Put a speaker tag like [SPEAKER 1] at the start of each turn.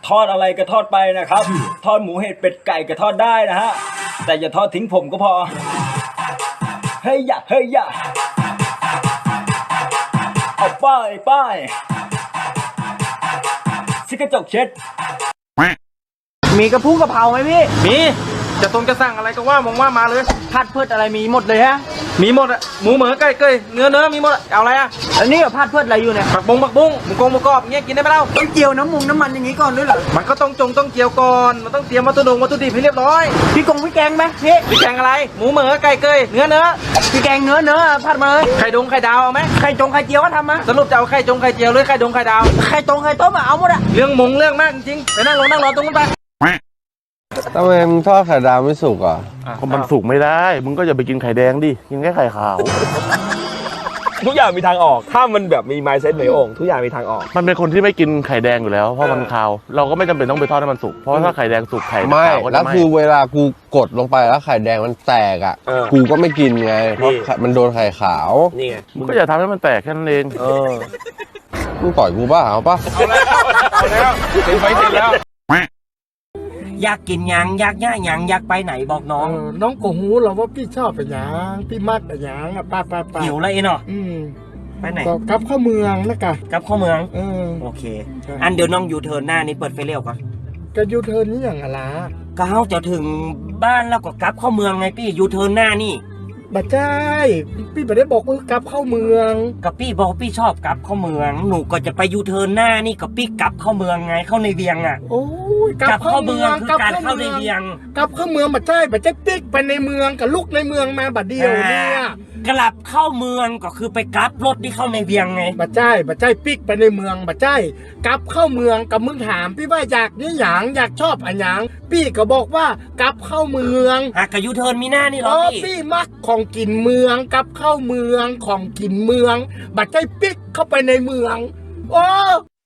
[SPEAKER 1] ทอดอะไรก็ทอดไปนะครับ ทอดหมูเห็ดเป็ดไก่ก็ทอดได้นะฮะแต่อย่าทอดทิ้งผมก็พอเฮ้ยอย่าเฮ้ยอย่าเอาป้ายชิกระจกเช็ด
[SPEAKER 2] มีกระพุ้งกะเพราไหมพี่
[SPEAKER 3] มีจะสั่งอะไรก็ว่ามองว่ามาเลย
[SPEAKER 2] ผัดเพิดอะไรมีหมดเลยฮะ
[SPEAKER 3] มีหมดอะหมูเหมือไก่เกยเนื้อมีหมดอะเอาอะไรอะ
[SPEAKER 2] อันนี้กับผัดเพิดอะไรอยู่เนี่ย
[SPEAKER 3] ผักบุ้งหมูกรอบเงี้ยกินได้ไหมเล่า
[SPEAKER 2] ต้องเจียวน้ำมันอย่างงี้ก่อนด้วยเหรอ
[SPEAKER 3] มันก็ต้องเจียวก่อนมันต้องเตรียมวัตถุดิบให้เรียบร้อย
[SPEAKER 2] พี่แกงไหมพี่
[SPEAKER 3] แกงอะไรหมูเหมือไก่เกยเนื้อ
[SPEAKER 2] พี่แกงเนื้อผัดมาเลย
[SPEAKER 3] ไข่ดาวเอาไหม
[SPEAKER 2] ไข่เจียวก็ทำมา
[SPEAKER 3] สรุปจะเอาไข่เจียวหรือไข่ดาว
[SPEAKER 2] ไข่ต้มเอาหมดอะ
[SPEAKER 3] เรื่องมากจริงไปนั่งรอตรงนั้นไป
[SPEAKER 4] ทำไมมึงทอดไข่ดาวไม่สุกอ่ะ
[SPEAKER 5] ก็มันสุกไม่ได้มึงก็อย่าไปกินไข่แดงดิกินแค่ไข่ขาว
[SPEAKER 6] ทุกอย่างมีทางออกถ้ามันแบบมีไมซ์เซ็ตในองค์ทุกอย่างมีทางออก
[SPEAKER 5] มันเป็นคนที่ไม่กินไข่แดงอยู่แล้วเพราะมันคาวเราก็ไม่จำเป็นต้องไปทอดให้มันสุกเพราะถ้าไข่แดงสุกไข่
[SPEAKER 4] ไม่
[SPEAKER 5] ขาวก็จะ
[SPEAKER 4] แล้วคือเวลากูกดลงไปแล้วไข่แดงมันแตกอ่ะกูก็ไม่กินไงเพราะมันโดนไข่ขาว
[SPEAKER 6] นี่ไง
[SPEAKER 5] มึงก็อย่าทำให้มันแตกแค่นั้นเอง
[SPEAKER 4] มึงต่อยกูป่ะเอาป่ะ
[SPEAKER 6] เอาแล้วเป็นไฟเสร็จแล้ว
[SPEAKER 2] อยากกินยังอยากย่ายังอยากไปไหนบอกน้อง
[SPEAKER 7] น้องก็หูเราว่าพี่ชอบไปยังพี่มักไปยังอ่ะป้า
[SPEAKER 2] หิวเลยเนาะไปไหน
[SPEAKER 7] ก็กลับเข้าเมืองนะกะ
[SPEAKER 2] กลับเข้าเมืองโอเคอันเดี๋ยวน้องยูเทิร์นหน้านี่เปิดไฟเลี้ยวก่อน
[SPEAKER 7] ก็ยูเทิร์นนี่อย่างอะไร
[SPEAKER 2] ก็เขาจะถึงบ้านแล้วก็กลับเข้าเมืองไงพี่ยูเทิร์นหน้านี่
[SPEAKER 7] บัดใจพี่ไม่ได้บอกว่ากลับเข้าเมือง
[SPEAKER 2] กับพี่บอกพี่ชอบกลับเข้าเมืองหนูก็จะไปยูเทิร์นหน้านี่กับพี่กลับเข้าเมืองไงเข้าในเวียงอ่ะ
[SPEAKER 7] โอ้ย
[SPEAKER 2] กลับเข้าเมืองคือการเข้าในเวียง
[SPEAKER 7] กลับเข้าเมืองบัดใจปิ๊กไปในเมืองกับลูกในเมืองมาบัดเดียวเนี่ย
[SPEAKER 2] กลับเข้าเมืองก็คือไปกลับรถที่เข้าในเวียงไง
[SPEAKER 7] บัดใจปิ๊กไปในเมืองบัดใจกลับเข้าเมืองกับมึงถามพี่ว่าอยากนี่หยังอยากชอบอันหยังพี่ก็บอกว่ากลับเข้าเมือง
[SPEAKER 2] กับยูเทิร์นมีหน้านี่หรอ
[SPEAKER 7] พี่มักของกินเมืองกลับเข้าเมืองของกินเมืองบัดใจปิ๊กเข้าไปในเมืองโอ้